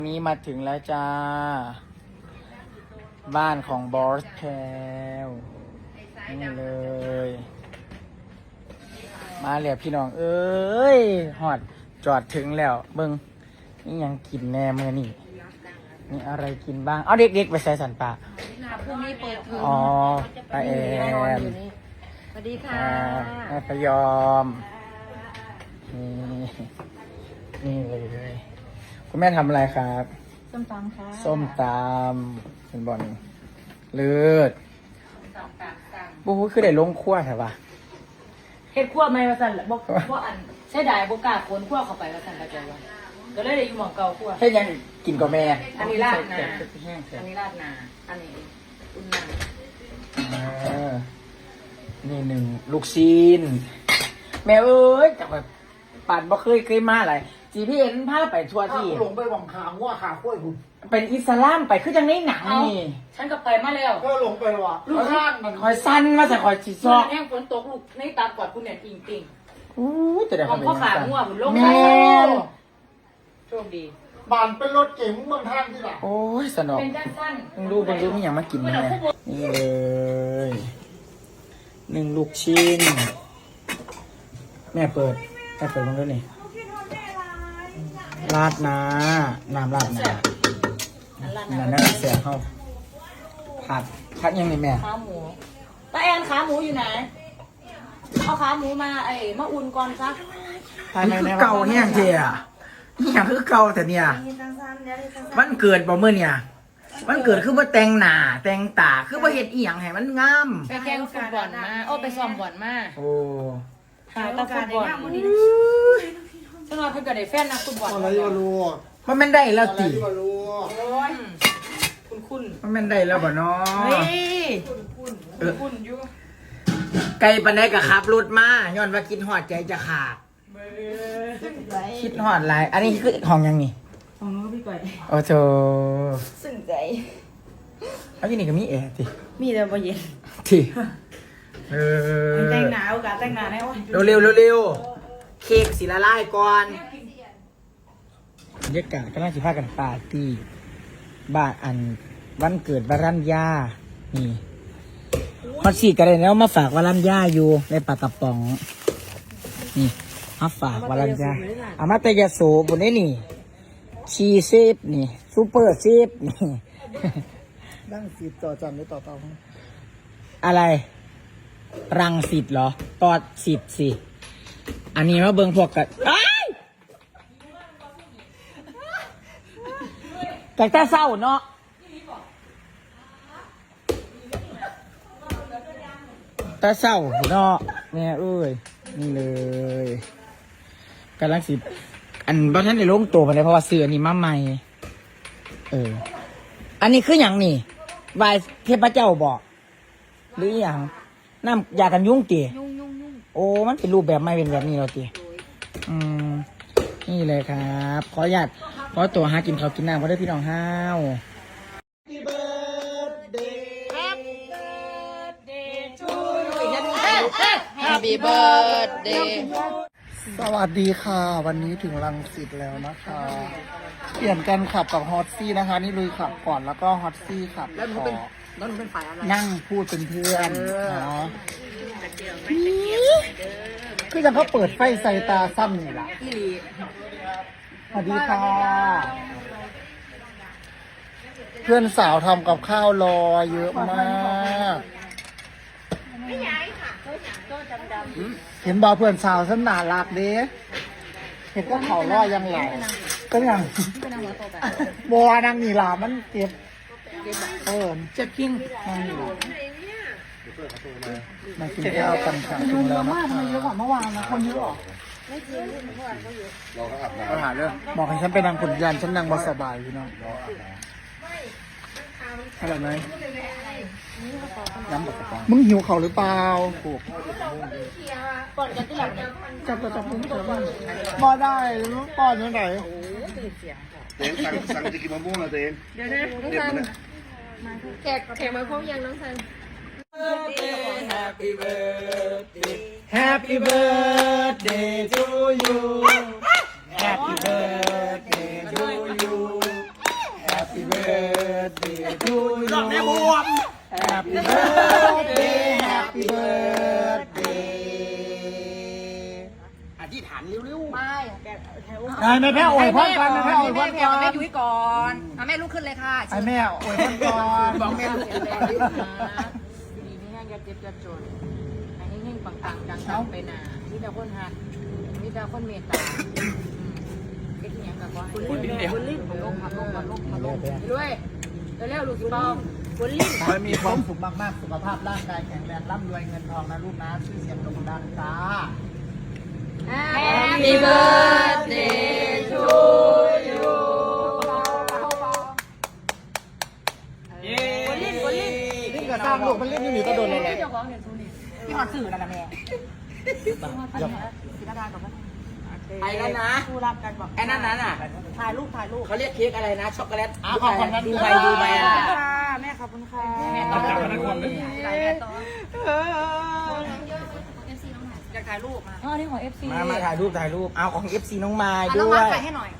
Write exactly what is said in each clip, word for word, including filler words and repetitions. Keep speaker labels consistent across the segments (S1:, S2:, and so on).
S1: นี้มาถึงแล้วจ้าบ้านของบอสแพลนี่เลยมาแล้วพี่น้องเอ้ยหอดจอดถึงแล้วเบิ้งนี่ยังกินแน่เมื่อนี่นี่อะไรกินบ้างเอาเด็กๆไปใส่สันปะ
S2: พรุ่งนี้เปิดเทอม
S1: อ๋อป้าแอม
S2: สวัสดีค่ะ
S1: แม่พยอมนี่นี่เลยคุณแม่ทำอะไรครับ
S2: ส้มตำค่ะ
S1: ส้มตำเป็นบอลเลือดบู๊คือได้ลงขั้วใช่ปะ
S2: เฮ็ดขั้วไม่มาสั่นละบอกว่าอันใช่ได้บกล้าโคนขั้วเข้าไปมาสั่นกระจายวันก็เลยได้อยู่หม่องเก่าขั้ว
S1: เฮ็ดยังกินกับแม่
S2: อันนี้ราดนาอันนี้ราดนาอันนี้อุ่นนา
S1: นี่หนึ่งลูกซีนแม่เอ้ยจากแบบปั่นบ่เคยเคยมาอะไรจีพี่เอ็นพาไปทัวร์ที่
S3: หลงไปหวังขาหัวขาข้วยคุณ
S1: เป็นอิสลามไปคือจังในหนังนี่
S2: ฉันก็ไปมาแล้ว
S3: ก็หลงไปว่ะ
S1: ลูกข้างมันคอยสั้นมาแต่คอยจีซอก
S2: แห้งฝนตกลูกในตากอดคุณเนี่ยจริงจริง
S1: อู้แต่เดี๋ยว
S2: ของพ่อขาหัวมันลงไปโชคดี
S3: บ้านเป็นรถเก๋งเมืองท่านที่หลัง
S1: โอ้ยสนุก
S2: เป็นจังสั้น
S1: มึงดูมึงดูมีอย่างมากินเนี่ยนี่เลยหนึ่งลูกชิ้นแม่เปิดแม่เปิดมันด้วยนี่ราดน้ำน้ำราดน้ำน้ำน้ำเสียเข้าผัดผัดยังไงแม่
S2: ขาหมูป้าแอนขาหมูอยู่ไหนเอาขาหมูมาไอ้มาอุ่นก่อนซัก
S1: นี่คือเก่าแห้งเจียนี่อย่างคือเก่าแต่เนี่ยมันเกิดบ่เมื่อเนี่ยมันเกิดคือว่าแต่งหน้าแต่งตาคือว่าเห็ดอีหยังให้มันงาม
S2: ไปแข่งฟุตบอลมาโอ้ไปซ้อมบอลมา
S1: โอ้
S2: หาตาฟุตบอลฉันว่าเพิ่งเกิดได้แฟนนักฟุตบอล
S3: อะไรวะลูก
S1: มันไม่ได้แล้วตี
S2: คุณคุณ
S1: มันไม่ได้แล้วบ่เนาะ
S2: เฮ้ยคุณคุณคุณอยู่
S1: ไกลปันได้กับขับรถมาย้อนว่าคิดหอดใจจะขาดคิดหอดไรอันนี้คือห้องยังนี่
S2: ห้องนู้นก็พี่ก่อย
S1: โอ้โห
S2: สึ่งใจ
S1: เอาที่นี่ก็มีแอร์สิ
S2: มีแต่บ่เย็น
S1: ที่เออ
S2: แต่งหนาวกับแต่งหนาแน่วะ
S1: เร็วเร็วเร็วเร็วเค้กสีละลายก่อนบรรยากาศก็น่าจะพากันปาร์ตี้บ้านอันวันเกิดวรัญญานี่ฮอตสี่กันเลยแล้วมาฝากวรัญญาอยู่ในปากกระป๋องนี่มาฝากวรัญญาอามาเตยโสบนนี้นี่ชีเซฟนี่ซูเปอร์เซฟนี่
S3: นั่งสิบต่อจันหรือต่อเตา
S1: อะไรรังสิบเหรอตอดสิบสิอันนี้มาเบิ่งพวกกันแต่แต่เศร้าเนาะแต่เศร้าเนาะเนี่ยเอ้ยนี่เลยกำลังสิอันบ้านท่านในโล่งตัวไปเลยเพราะว่าเสือนี่มาใหม่เอออันนี้คืออย่างนี่วายเทพเจ้าบอกหรืออย่างน้ำยากันยุงตีโอ้มันเป็นรูปแบบไม่เป็นแบบนี้เราตีอืมนี่เลยครับขออนุญาตขอตัวหากินข้าวกินน้ำเพราะได้พี่น้องห้าว
S2: Happy birthday
S3: สวัสดีค่ะวันนี้ถึงรังสิตแล้วนะคะเปลี่ยนกันขับกับฮอตซี่นะคะนี่ลุยขับก่อนแล้วก็ฮอตซี่ขับ
S1: แล้วหนูเป็นแล้วหนูเป็นฝ่ายอะไร
S3: นั่งพูดเป็นเพื่อนเนาะคือจะเขาเปิดไฟใส่ตาซ้ำนี่แหละสวัสดีค่ะเพื่อนสาวทำกับข้าวรอเยอะมากเห็นบอเพื่อนสาวฉันน่ารักเด้เห็นก็เขารอยังไหลก็ยังบัวนางนี่ลามันเจ็บเออเจ็บกิ้งนางนี่ลามากินข้าวกันค่ะ
S2: ยุงเยอะมากทำไมเยอะกว่าเมื่อวานนะคนเยอะหรอ
S3: ไม่จริงเมื่อวานก็เยอะเราก็อาบน้ำปัญหาเรื่องบอกให้ฉันไปนางขุนยันฉันนางบสบายพี่น้องอะไรไหมน้ำบกกระป๋องมึงหิวเขาหรือเปล่าถูก
S2: ก่อนกันที่หลัง
S3: จับจับจับมึงเถอะมันบ่ได้มึงป้อนยังไง
S4: เต้นสั่งสั่งจะกินมะม่วงนะเต้น
S2: เดี๋ยวนะน้องซันแขกแขกมาพร้อมยังน้องซัน
S1: Happy birthday Happy birthday to you Happy birthday to you birthday to you รอบแม่บวม Happy birthday Happy birthday อธิษฐานเร็วๆ
S5: ไม่
S3: นายแม่แพ้อวยพรก่อนแม่แพ้อวยพ
S5: แม่
S3: ร
S5: แพร
S3: ก่อ
S5: กับแม่
S3: น
S5: ยุ้ยก่อนเอาแม่ลุกขึ้นเลยค่ะ
S3: ไอ้แม่อวยพรก่อน
S1: บอกแม่ลูก
S5: ดีดีนี่ยังจะเจ็บจะจนไอ้เฮงๆปังๆดังๆไปหนามีแต่คนหักมีแต่คนเมตตาเอ็กซ์เนี่ยกับว่าคนลิ้นคนลิ้นมาลงมาลงมาลงมาลงด้วยเร็วๆลูกสิปองคนลิ้น
S3: ขอให้มีความสุขมากๆสุขภาพร่างกายแข็งแรงร่ำรวยเงินทองนะลูกนะชื่อเสียงโด่งดังจ้า
S5: Happy birthday to you
S1: คนลิ้นคนลิ้น
S3: นี่ก็สร้างลูกมันเล่นนี่หนีก็โดนเลยแหละ
S5: พี่หอดสื่อนั่นนะแม่
S1: ไปแล้วนะ
S5: คู่รักกันบอก
S1: ไอ้นั่นนั้นอ่ะ
S5: ถ่ายรูปถ่ายรูป
S1: เขาเรียกเค้กอะไรนะ ช็อกโกแลต
S3: อ่ะขอบคุณนะ
S1: ดูใบดูใบอ่ะ
S5: แม่ขอบคุณค่ะ
S3: แม่ต้องจับมันคนเลย
S5: อยากถ่ายรูปมา
S2: อ๋อนี่ของ เอฟ ซี
S1: มามาถ่ายรูปถ่ายรูป เอาของ เอฟ ซี น้องมาย
S5: น้
S1: ด้
S5: อง
S1: ว
S5: มาย ถ่ายให้หน่อย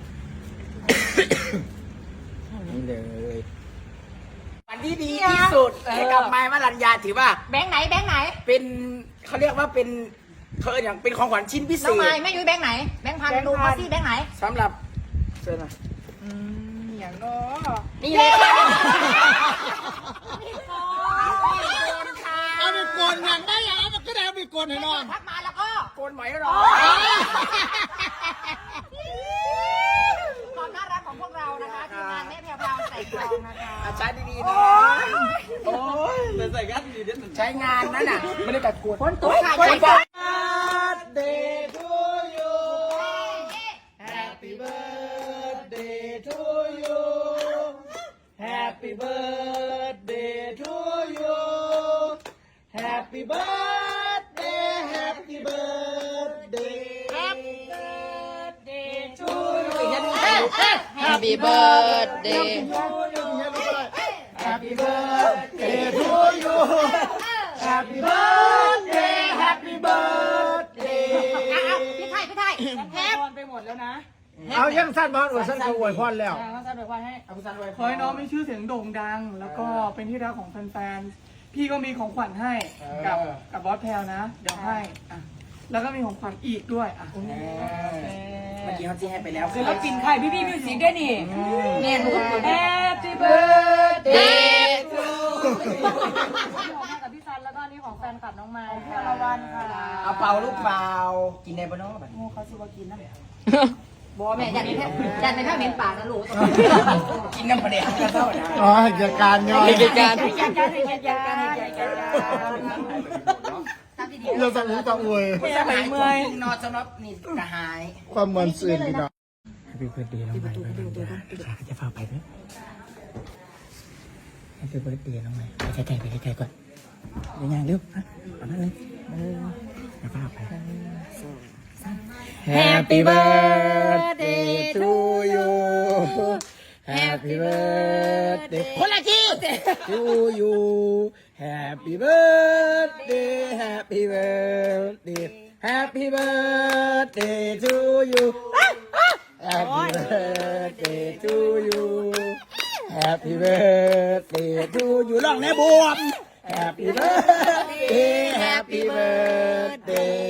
S1: นี่เลย วันที่ดีที่สุดให้กับไม้มารัญญาถือว่า
S5: แบงค์ไหนแบงค์ไหน
S1: เป็นเขาเรียกว่าเป็นเขาเรียกอย่างเป็นของขวัญชิ้นพิเศ
S5: น้อง
S1: ษ
S5: ไม้แม่ยุ้ยแบงค์ไหน แบงค์พันดูมาสิแบงค์ไหน
S1: สำหรับเชิญมา
S5: อย่างน้อ
S1: นี่เลย
S3: เอาไปโกนอย่างได้ยังมันก็ได้เอาไปโกนให้นอน
S5: ทักมาแล้วก็
S1: โกนไหมหรอ
S5: ความน่ารักของพวกเรานะคะทีมงานแม่แพรวพราวใส่กรองนะคะ
S1: อาใช้ดีๆนะโอ้ยใส่กันดีๆใช้งานนั่นน่ะไม่ได้กัดกวน
S5: คนตัวค่ะ
S1: คน
S5: ใจ
S1: Birthday to you Happy birthday to you Happy birthday to you Happy birthday Happy birthday Happy birthday to you
S5: Happy birthday
S1: Happy birthday to you Happy birthday Happy birthday
S5: พี่ไทยพี่ไทยแฮป
S2: ไปหมดแล้วนะ
S3: เอายังสั้นบอลอวยสั้นคืออวยพรแล้ว
S2: ต้องการไปว่าให้
S1: เอาคุณสันไว้
S6: ขอให้น้องมีชื่อเสียงโด่งดัง แล้วก็เป็นที่รักของแฟนๆ พี่ก็มีของขวัญให้กับกับบอสแพลวนะ เดี๋ยวให้อ่ะแล้วก็มีของขวัญอีกด้วยอ่ะ
S1: เมื่อกี้เขาจี้ให้ไปแล้ว
S2: ศิลปินใครพี่พี่มิวสิกด้วยนี่
S5: แม่หนูก็เปิด
S2: Happy birthday
S5: กับพี่ซันแล้วก็นี่ของแฟนคลับน้องไม้ค่ะละวันค่ะ
S1: เอาเป่าลูกเปล่ากินได้ปะเนาะแบบ
S5: เขาสิว่ากินนะบอแม่ยันในแค่ยันในแค่เหม็นปากนะลูก
S1: กินน้ำปลาแดกกันเท่านะ
S3: อ๋อเหตุการณ์ย่อย
S1: เหตุการณ์
S5: ยันยันยันยันยันยันยันตามที่ดี
S3: เราจะรู้จะอวย
S1: สมัยเมื่อยนอนสำหรับนี่กระหาย
S3: ความมันสื่นพี่น้อง
S1: Happy birthday น้องใหม่จะพาไปด้วย Happy birthday น้องใหม่ไปใกล้ๆไปใกล้ๆก่อนเดี๋ยวยังเร็วนะเอานั่นเลยจะพาไป Happy birthday to you Happy birthday คนละที to you Happy birthday Happy birthday Happy birthday to you Happy birthday to you Happy birthday to you ร้องแน่บวม Happy birthday Happy birthday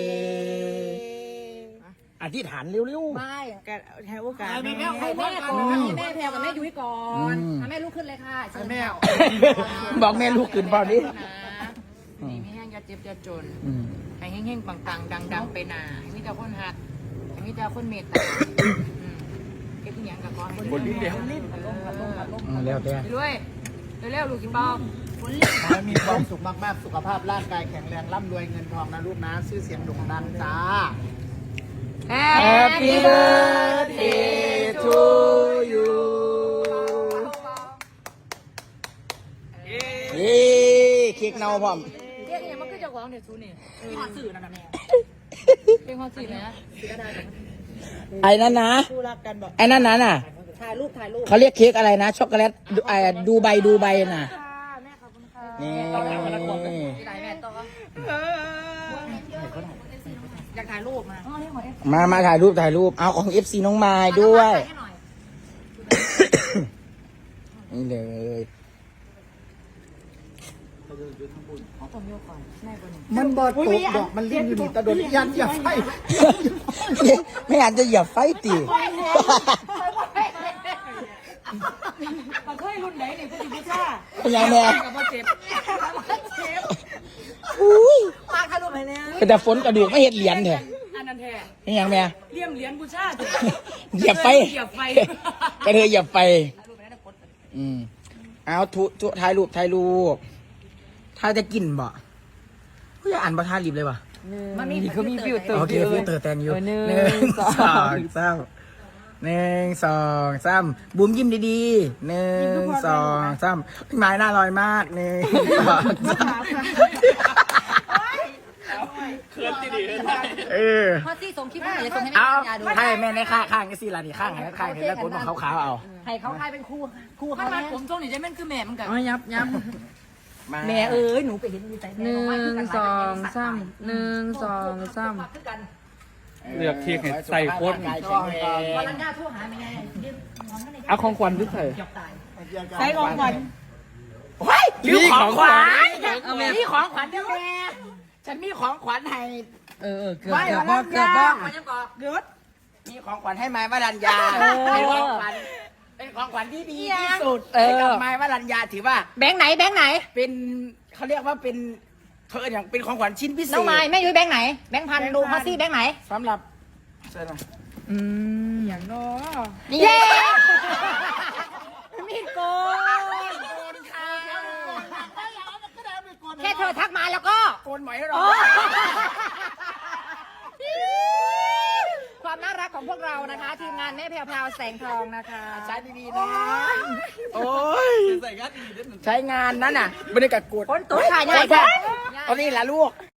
S1: อธิษฐานเร็วๆ
S5: ไม่แกให้โอกาส
S3: ให้แม่
S5: ให้แม่ก่อนให้แม่แพรกับแม่ยุ้ยก่อนให้แม่ลุกขึ้นเลยค่ะ
S3: แม่
S1: บอกแม่ลูกขึ้นเปล่าดิ
S5: นี่ไม่แห้งยาเจ็บยาจน
S1: อืม
S5: ให้เฮงๆปังๆดังๆไปหนาให้มีแต่คนหักให้มีแต่คนเมตตาเก็บที่ยังกับก้อนคนลิ้นเดียวลิ้นลงลงลง
S1: อืมแล้วแต่
S5: ด้วยเร็วๆลูกกินปอม
S3: ขอให้มีความสุขมากๆสุขภาพร่างกายแข็งแรงร่ำรวยเงินทองนะลูกนะชื่อเสียงโด่งดังจ้า
S1: Happy birthday to you เย้เค้กเน่าพร้อม
S2: เรียกยังมันคือเจ้าของเดี๋ยวซูนี่
S5: พี่หอดสื่อนั่นนะแม่
S2: เป็นความสินะ
S1: ไอ้นั่นนะ
S5: คู่รักกันบอก
S1: ไอ้นั่นนั้นน่ะ
S5: ถ่ายรูปถ่ายรูป
S1: เขาเรียกเค้กอะไรนะ ช็อกโกแลตดูไอ้ดูใบดูใบน่ะ
S5: แม่ขอบคุณค่ะ
S1: นี่
S5: ที่ไหนแม่ต่ออยากถ่ายรูปมา
S2: อ๋อนี่ของ เอฟ
S1: มา มาถ่ายรูปถ่ายรูป เอาของ เอฟ ซี น้องมายด้วย
S5: ถ่ายให้หน่อย
S1: นี่เลย
S5: เขาต้องโยกก่อนแม่คนหนึ่ง
S3: มันบอดตกดอกมันลิ้นอยู่นี่ตะโดนยันอย่าไฟ
S1: ไม่อาจจะเหยียบไฟตี
S2: มันเคยรุ่นไหนนี่ผู้หญิงผู้ชาย
S1: เป็นยังไง
S2: กับพ่อเจ็บ
S1: อุ้ย
S5: ปากทะลุไปเนี่ย
S1: เป็นแต่ฝนกระดูกไม่เห็นเหรียญเถอะ
S2: อันนั้นแท้
S1: เป็นยังไง
S2: เลี่ยมเหรียญผู้ชาย
S1: เหยียบไฟ
S2: เหยียบไฟ
S1: กระเทยเหยียบไฟอืมเอาทุทุถ่ายรูปถ่ายรูปถ่ายจะกินบ่ผู้จะอ่านบ่ถ่ายรีบเลยบ่
S5: มันมีเขามีฟิวเตอร์
S1: โอเคฟิลเตอร์แตนอยู่
S5: หนึ่ง
S1: หนึ่งสองสามหนึ่งสองสามบุ๋มยิ้มดีๆหนึ่งสองสามพี่ไม้น่าลอยมากหนึ่งสองสามเออ
S5: พอที่ส่งคลิปมาเลยส่งให้
S1: เอา
S5: แม่ยาดู
S1: ให้แม่ในข้างข้างก็สิล่ะนี่ข้างให้ข้างให้แล้วคนของขาวๆเอา
S5: ให้เขาทายเป็นครูครู
S2: ถ้า
S5: เขา
S2: มา
S5: เนี่ย
S2: ผมทรงนี่จะแม่นคือแม่มันกัน
S5: อ๋อยับยับ
S1: มา
S5: แม่เอ้ยหนูไปเห็นมีใจ
S7: หนึ่งสองสามหนึ่งสองสาม
S8: เลือกเค้กให้ใส่โค้ด
S1: ร่างกายแข็งแรง
S5: วันนั้นย่าโทรหาแม่ยืนมองกันเลย
S8: เอาของขวัญที่ใส่
S6: ใช้ของขวัญ
S1: เฮ้ยลืมของขวัญมีของขวัญด้วยแม่ฉันมีของขวัญให้
S7: เออเออเกือบเกือบบ่เกือบบ่
S5: มันยังก่อ
S6: เดือด
S1: มีของขวัญให้ไม้วรัญญาเป็นของขวัญเป็นของขวัญที่ดีที่สุดให้กับไม้วรัญญาถือว่า
S5: แบงค์ไหนแบงค์ไหน
S1: เป็นเขาเรียกว่าเป็นเธออย่างเป็นของขวัญชิ้นพิเศษ
S5: น้องไม้แม่ยุ้ยแบงค์ไหนแบงค์พันดูพอซี่แบงค์ไหน
S1: สำหรับเชิญมา
S7: อืม
S6: อย่างน้อ
S5: เย้มีโกนแค่เธอทักมาแล้วก็
S1: โกนหมอยให้เรา
S5: ความน่ารักของพวกเรานะคะ ทีมงานแม่แพรวพราวแสงทองนะคะ
S1: ใช้ดีๆนะโอ้ยใช้งานนั้นน่ะไม่ได้กัดกด
S5: คนตัวถ่ายใหญ่ค่ะ
S1: เอานี่แหละลูก